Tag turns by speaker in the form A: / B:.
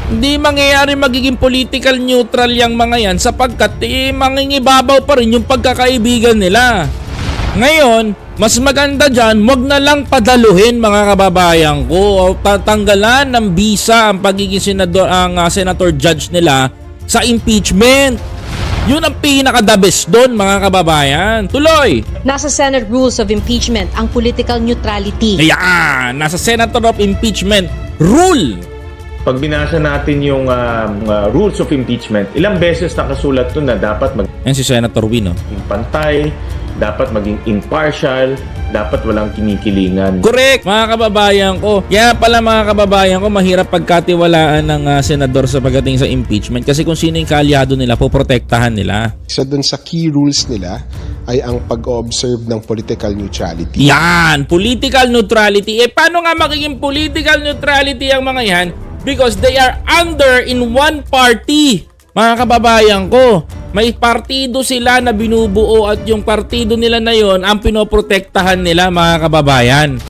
A: Hindi mangyayari magiging political neutral yung mga yan sapagkat mangingibabaw pa rin yung pagkakaibigan nila. Ngayon, mas maganda dyan, wag na lang padaluhin mga kababayan ko o tatanggalan ng bisa ang pagiging senator judge nila sa impeachment. Yun ang pinaka-the best doon mga kababayan. Tuloy!
B: Nasa Senate Rules of Impeachment ang political neutrality.
A: Ayan! Nasa Senator of Impeachment Rule!
C: Pag binasa natin yung rules of impeachment, ilang beses nakasulat doon na dapat
A: Yan si Senator Win,
C: maging pantay, dapat maging impartial, dapat walang kinikilingan.
A: Correct, mga kababayan ko. Kaya pala mga kababayan ko, mahirap pagkatiwalaan ng senador sa pagdating sa impeachment kasi kung sino yung kaalyado nila, poprotektahan nila.
D: Isa dun sa key rules nila ay ang pag-observe ng political neutrality.
A: Yan, political neutrality. Paano nga magiging political neutrality ang mga yan? Because they are under in one party. Mga kababayan ko, may partido sila na binubuo at yung partido nila na yon ang pinoprotektahan nila mga kababayan.